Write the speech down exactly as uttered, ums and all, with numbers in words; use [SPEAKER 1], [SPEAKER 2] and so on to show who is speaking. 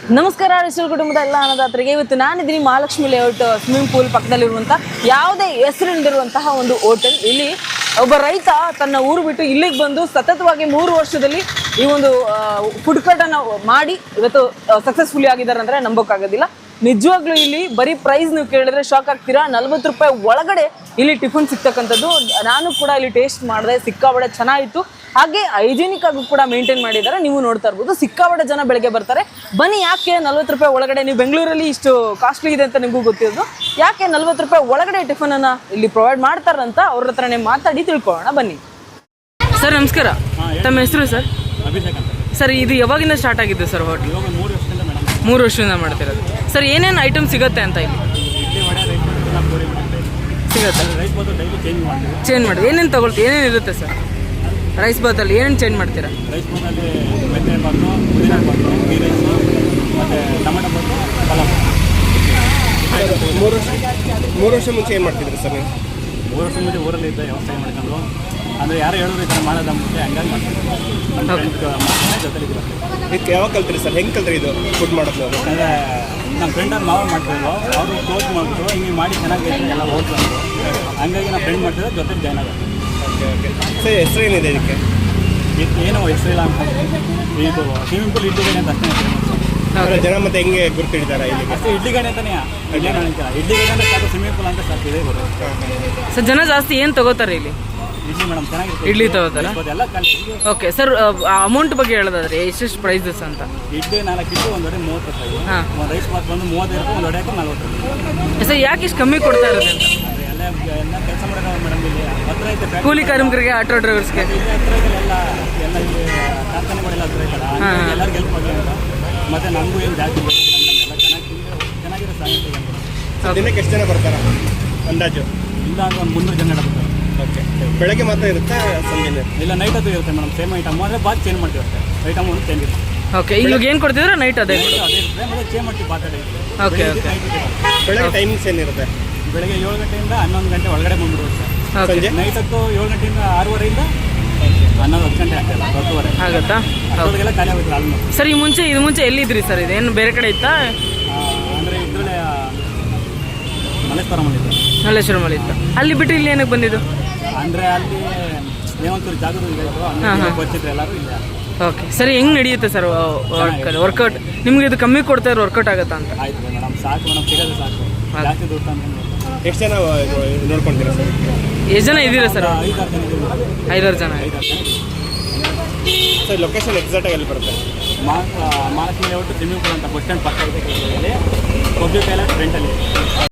[SPEAKER 1] ನಮಸ್ಕಾರ ರಿಸಲ್ ಕುಟುಂಬದ ಎಲ್ಲ ಅನ್ನದಾತರಿಗೆ. ಇವತ್ತು ನಾನಿದ್ದೀನಿ ಮಹಾಲಕ್ಷ್ಮಿ ಲೇಔಟ್ ಸ್ವಿಮ್ಮಿಂಗ್ ಪೂಲ್ ಪಕ್ಕದಲ್ಲಿರುವಂಥ ಯಾವುದೇ ಹೆಸರಿಲ್ಲದಿರುವಂತಹ ಒಂದು ಹೋಟೆಲ್. ಇಲ್ಲಿ ಒಬ್ಬ ರೈತ ತನ್ನ ಊರು ಬಿಟ್ಟು ಇಲ್ಲಿಗೆ ಬಂದು ಸತತವಾಗಿ ಮೂರು ವರ್ಷದಲ್ಲಿ ಈ ಒಂದು ಫುಡ್ ಕೋರ್ಟನ್ನು ಮಾಡಿ ಇವತ್ತು ಸಕ್ಸಸ್ಫುಲಿ ಆಗಿದ್ದಾರೆ ಅಂದರೆ ನಂಬೋಕ್ಕಾಗೋದಿಲ್ಲ. ನಿಜವಾಗ್ಲೂ ಇಲ್ಲಿ ಬರೀ ಪ್ರೈಸ್ ನೀವು ಕೇಳಿದ್ರೆ ಶಾಕ್ ಆಗ್ತೀರಾ. ನಲ್ವತ್ತು ರೂಪಾಯಿ ಒಳಗಡೆ ಇಲ್ಲಿ ಟಿಫನ್ ಸಿಗ್ತಕ್ಕಂಥದ್ದು. ನಾನು ಕೂಡ ಇಲ್ಲಿ ಟೇಸ್ಟ್ ಮಾಡಿದೆ, ಸಿಕ್ಕಾಬಡೆ ಚೆನ್ನಾಗಿತ್ತು. ಹಾಗೆ ಹೈಜಿನಿಕ್ ಆಗಿ ಕೂಡ ಮೇಂಟೈನ್ ಮಾಡಿದ್ದಾರೆ. ನೀವು ನೋಡ್ತಾ ಇರ್ಬೋದು, ಸಿಕ್ಕಾಬಡೆ ಜನ ಬೆಳಗ್ಗೆ ಬರ್ತಾರೆ. ಬನ್ನಿ, ಯಾಕೆ ನಲ್ವತ್ತು ರೂಪಾಯಿ ಒಳಗಡೆ, ನೀವು ಬೆಂಗಳೂರಲ್ಲಿ ಇಷ್ಟು ಕಾಸ್ಟ್ಲಿ ಇದೆ ಅಂತ ನಿಮಗೂ ಗೊತ್ತಿರೋದು, ಯಾಕೆ ನಲ್ವತ್ತು ರೂಪಾಯಿ ಒಳಗಡೆ ಟಿಫನನ್ನು ಇಲ್ಲಿ ಪ್ರೊವೈಡ್ ಮಾಡ್ತಾರಂತ ಅವ್ರ ಹತ್ರನೇ ಮಾತಾಡಿ ತಿಳ್ಕೊಳ್ಳೋಣ ಬನ್ನಿ. ಸರ್ ನಮಸ್ಕಾರ, ತಮ್ಮ ಹೆಸರು ಸರ್?
[SPEAKER 2] ಅಭಿಷೇಕ್ ಅಂತ
[SPEAKER 1] ಸರ್. ಇದು ಯಾವಾಗಿಂದ ಸ್ಟಾರ್ಟ್ ಆಗಿದ್ದು ಸರ್ ಹೋಟ್ಲು?
[SPEAKER 2] ಮೂರು ವರ್ಷದಿಂದ ಮೇಡಮ್.
[SPEAKER 1] ಮೂರು ವರ್ಷದಿಂದ ಮಾಡ್ತಿರೋದು ಸರ್. ಏನೇನು ಐಟಮ್ ಸಿಗುತ್ತೆ ಅಂತ ಇಲ್ಲಿ?
[SPEAKER 2] ಇಡ್ಲಿ ವಡೆ ರೈಸ್ ಬಾತ್ ಪೂರಿ
[SPEAKER 1] ಸಿಗುತ್ತೆ.
[SPEAKER 2] ರೈಸ್ ಬಾತ್ ಡೈಲಿ ಚೇಂಜ್ ಮಾಡ್ತೀವಿ.
[SPEAKER 1] ಚೇಂಜ್ ಮಾಡಿ ಏನೇನು ತಗೊಳ್ತೀವಿ, ಏನೇನು ಇರುತ್ತೆ ಸರ್ ರೈಸ್ ಬಾತಲ್ಲಿ? ಏನೇನು ಚೇಂಜ್ ಮಾಡ್ತೀರಾ?
[SPEAKER 2] ರೈಸ್ ಬಾತಲ್ಲಿ ಮೆಂತ್ಯ ಬಾತು, ಪುದೀನ ಬಾತು, ಗೀ ರೈಸು ಮತ್ತು ಟೊಮೆಟೊ ಬಾತು, ಪಲಾವ್.
[SPEAKER 3] ಮೂರು ವರ್ಷ ಮೂರು ವರ್ಷ ಮುಂಚೆ ಏನು ಮಾಡ್ತಿದ್ರಿ ಸರ್ ನೀವು?
[SPEAKER 2] ಮೂರು ವರ್ಷ ಮುಂಚೆ ಊರಲ್ಲಿ ಇದ್ದ ವ್ಯವಸಾಯ ಮಾಡ್ಕೊಂಡು, ಅಂದರೆ ಯಾರು ಹೇಳಿದ್ರು ಈ ಥರ ಮಾಡೋದ ಮುಂಚೆ ಹಂಗಾಗಿ ಮಾಡ್ತೀವಿ. ನಮ್ಮ ಫ್ರೆಂಡ್ ಜೊತೆಲಿದ್ದೀವಿ.
[SPEAKER 3] ಇದಕ್ಕೆ ಯಾವಾಗ ಕಲ್ತ್ರಿ ಸರ್? ಹೆಂಗೆ ಕಲ್ತ್ರಿ ಇದು ಫುಡ್ ಮಾಡೋದು?
[SPEAKER 2] ಯಾಕಂದರೆ ನಮ್ಮ ಫ್ರೆಂಡಲ್ಲಿ ನಾವು ಮಾಡ್ತಿದ್ವು, ಅವರು ಕ್ಲೋಸ್ ಮಾಡಿಬಿಟ್ಟು ಹಿಂಗೆ ಮಾಡಿ ಚೆನ್ನಾಗಿದೆ ಎಲ್ಲ ಹೋಟ್ಲು ಅಂದರು. ಹಂಗಾಗಿ ನಾವು ಫ್ರೆಂಡ್ ಮಾಡ್ತಿದ್ದೆ, ಜೊತೆ ಜಾಯ್ನ್ ಆಗುತ್ತೆ.
[SPEAKER 3] Okay okay sir. ಹೆಸರು ಏನಿದೆ ಇದಕ್ಕೆ?
[SPEAKER 2] ಇದು ಏನೋ ಹೆಸರಿಲ್ಲ ಅಂತ. ಇದು ಸ್ವಿಮ್ಮಿಂಗ್ ಪೂಲ್ ಇಡ್ಲಿ ಗಣಿ ಅಂತ ಅಷ್ಟೇ.
[SPEAKER 3] ಜನ ಮತ್ತೆ ಹೆಂಗೆ ಗುರ್ತಿಡ್ತಾರೆ ಇಲ್ಲಿಗೆ?
[SPEAKER 2] ಅಷ್ಟೇ ಇಡ್ಲಿ ಗಣಿ ಅಂತಾನೆ. ಇಡ್ಲಿ ಗಣಿತಿಲ್ಲ, ಇಡ್ಲಿ ಗಣಿ ಅಂದರೆ ಸಾಕು, ಸ್ವಿಮ್ಮಿಂಗ್ ಪೂಲ್ ಅಂತ ಸಾಕು, ಇದೆ ಬರೋದು.
[SPEAKER 1] ಸರ್ ಜನ ಜಾಸ್ತಿ ಏನು ತಗೋತಾರೆ ಇಲ್ಲಿ?
[SPEAKER 2] ಇಡ್ಲಿ ಮೇಡಮ್ ಚೆನ್ನಾಗಿರುತ್ತೆ.
[SPEAKER 1] ಇಡ್ಲಿ ತಗೋತಾರ?
[SPEAKER 2] ಎಲ್ಲ ಖಾಲಿ.
[SPEAKER 1] ಓಕೆ ಸರ್, ಅಮೌಂಟ್ ಬಗ್ಗೆ ಹೇಳೋದಾದ್ರೆ ಎಷ್ಟೆಷ್ಟು ಪ್ರೈಸಸ್ ಅಂತ?
[SPEAKER 2] ಇಡ್ಲಿ ನಾಲ್ಕು ಇಡ್ಲಿ ಒಂದು ವಡೆ ಮೂವತ್ತು ರೂಪಾಯಿ.
[SPEAKER 1] ಹಾಂ.
[SPEAKER 2] ಒಂದು ರೈಸ್ ಬಾತ್ ಬಂದು ಮೂವತ್ತೈದು ರೂಪಾಯಿ, ಒಂದು ವಡೆಗೆ ನಲ್ವತ್ತು ರೂಪಾಯಿ.
[SPEAKER 1] ಸರ್ ಯಾಕೆ ಇಷ್ಟು ಕಮ್ಮಿ ಕೊಡ್ತಾ ಇರೋದು ಅಂತ?
[SPEAKER 2] ಅಂದರೆ ಎಲ್ಲ ಎಲ್ಲ ಕೆಲಸ ಮಾಡೋದು ಮೇಡಮ್. ಇಲ್ಲಿ ಹತ್ರ ಐತೆ ಫ್ಯಾಕ್ಟ್ರಿ.
[SPEAKER 1] ಕೂಲಿ ಕಾರ್ಮಿಕರಿಗೆ, ಆಟೋ ಡ್ರೈವರ್ಸ್ಗೆ
[SPEAKER 2] ಇಲ್ಲಿ ಹತ್ರ ಇದೆ ಎಲ್ಲ ಎಲ್ಲ ಇಲ್ಲಿ ಕಾರ್ಖಾನೆಗಳೆಲ್ಲ ಹತ್ರ ಇದ್ದಲ್ಲ, ಹಂಗಾಗಿ ಎಲ್ಲರಿಗೂ ಹೆಲ್ಪ್ ಆಗಿ ಅಂತ. ಮತ್ತು ನಮಗೂ ಏನು ಜಾಸ್ತಿ ಬೇಕು, ನಮಗೆಲ್ಲ ಚೆನ್ನಾಗಿ ಚೆನ್ನಾಗಿರೋ ಸಾಹಿತ್ಯ.
[SPEAKER 3] ದಿನಕ್ಕೆ ಎಷ್ಟು ಜನ ಬರ್ತಾರೆ ಅಂದಾಜು?
[SPEAKER 2] ಇಲ್ಲ ಅಂದ್ರೆ ಒಂದು ಮುನ್ನೂರು ಜನ ಇಡಬೇಕು.
[SPEAKER 3] ಓಕೆ. ಬೆಳಗ್ಗೆ ಮಾತ್ರ ಇರುತ್ತೆ, ಸಂಜೆ
[SPEAKER 2] ಇಲ್ಲ ನೈಟ್ ಅದು ಇರುತ್ತೆ ಮೇಡಮ್. ಸೇಮ್ ಐಟಮ್ ಅಂದರೆ ಬಾತ್ ಚೇಂಜ್ ಮಾಡ್ತೀವಿ ಅಷ್ಟೇ. ಐಟಮ್ ಒಂದು ಚೇಂಜ್ ಇರುತ್ತೆ.
[SPEAKER 1] ಓಕೆ. ಇವಾಗ ಏನು ಕೊಡ್ತಿದ್ರೆ ನೈಟ್ ಅದೇ
[SPEAKER 2] ಅದೇ ಇರುತ್ತೆ, ಮತ್ತು ಚೇಂಜ್ ಮಾಡ್ತೀವಿ ಬಾತ್ ಅದೇ ಇರುತ್ತೆ.
[SPEAKER 1] Okay okay.
[SPEAKER 3] ಬೆಳಗ್ಗೆ ಟೈಮಿಂಗ್ಸ್ ಏನಿರುತ್ತೆ?
[SPEAKER 2] ಬೆಳಗ್ಗೆ ಏಳು ಗಂಟೆಯಿಂದ ಹನ್ನೊಂದು ಗಂಟೆ ಒಳಗಡೆ ಬಂದ್ಬಿಡುತ್ತೆ ಸರ್.
[SPEAKER 1] ಓಕೆ.
[SPEAKER 2] ನೈಟ್ ಹೊತ್ತು ಏಳು ಗಂಟೆಯಿಂದ ಆರೂವರೆಯಿಂದ ಹನ್ನೊಂದು ಹತ್ತು ಗಂಟೆ ಆಗ್ತಾಯಿಲ್ಲ, ಹತ್ತುವರೆ
[SPEAKER 1] ಆಗುತ್ತಾ?
[SPEAKER 2] ಅಷ್ಟೊತ್ತಿಗೆಲ್ಲ ಖಾಲಿ ಆಗುತ್ತೆ ಆಲ್ಮೋಸ್ಟ್.
[SPEAKER 1] ಸರ್ ಈ ಮುಂಚೆ ಇದು ಮುಂಚೆ ಎಲ್ಲಿದ್ರಿ ಸರ್? ಇದೇನು ಬೇರೆ ಕಡೆ ಇತ್ತಾ?
[SPEAKER 2] ಅಂದರೆ ಇದರಲ್ಲೇ ಮಲ್ಲೇಶ್ವರಮಲ್ಲಿತ್ತು.
[SPEAKER 1] ಮಲ್ಲೇಶ್ವರಮಲ್ಲಿ ಇತ್ತು. ಅಲ್ಲಿ ಬಿಟ್ಟು ಇಲ್ಲಿ ಏನಕ್ಕೆ ಬಂದಿದ್ದು?
[SPEAKER 2] ಅಂದರೆ ಅಲ್ಲಿ ನೇವಂತೂರು ಜಾಗದ ಇದಾಯಿತು, ಹಂಗಾಗಿ ಬರ್ತಿದ್ರು ಎಲ್ಲರೂ ಇಲ್ಲ.
[SPEAKER 1] ಓಕೆ. ಸರಿ, ಹೆಂಗೆ ನಡೆಯುತ್ತೆ ಸರ್ ವರ್ಕೌಟ್? ನಿಮ್ಗೆ ಇದು ಕಮ್ಮಿ ಕೊಡ್ತಾ ಇರೋ ವರ್ಕೌಟ್ ಆಗುತ್ತಾ ಅಂತ?
[SPEAKER 2] ಆಯ್ತು ಮೇಡಮ್, ಸಾಕು ಮೇಡಮ್, ಸಿಗೋದು ಸಾಕು, ಜಾಸ್ತಿ ದುಡ್ಡು ಅಂತ.
[SPEAKER 3] ಎಷ್ಟು ಜನ ನೋಡ್ಕೊಳ್ತೀರಾ ಸರ್?
[SPEAKER 1] ಎಷ್ಟು ಜನ ಇದ್ದೀರಾ ಸರ್?
[SPEAKER 2] ಐದಾರು ಜನ ಇದ್ದೀವಿ.
[SPEAKER 1] ಐದಾರು ಜನ.
[SPEAKER 2] ಐದಾರು ಜನ
[SPEAKER 3] ಸರ್ ಲೊಕೇಶನ್ ಎಕ್ಸಾಕ್ಟಾಗಿ ಎಲ್ಲಿ ಬರುತ್ತೆ?
[SPEAKER 2] ಮಾ ಮಹಾಲಕ್ಷ್ಮಿ ಲೇಔಟ್ ಸ್ವಿಮ್ಮಿಂಗ್ ಪೂಲ್ ಅಂತ ಬಸ್ ಸ್ಟ್ಯಾಂಡ್ ಪಕ್ಕ ಇದೆ. ಇಲ್ಲಿ ಪಬ್ಲಿಕ್ ಟಾಯ್ಲೆಟ್ ಫ್ರಂಟಲ್ಲಿ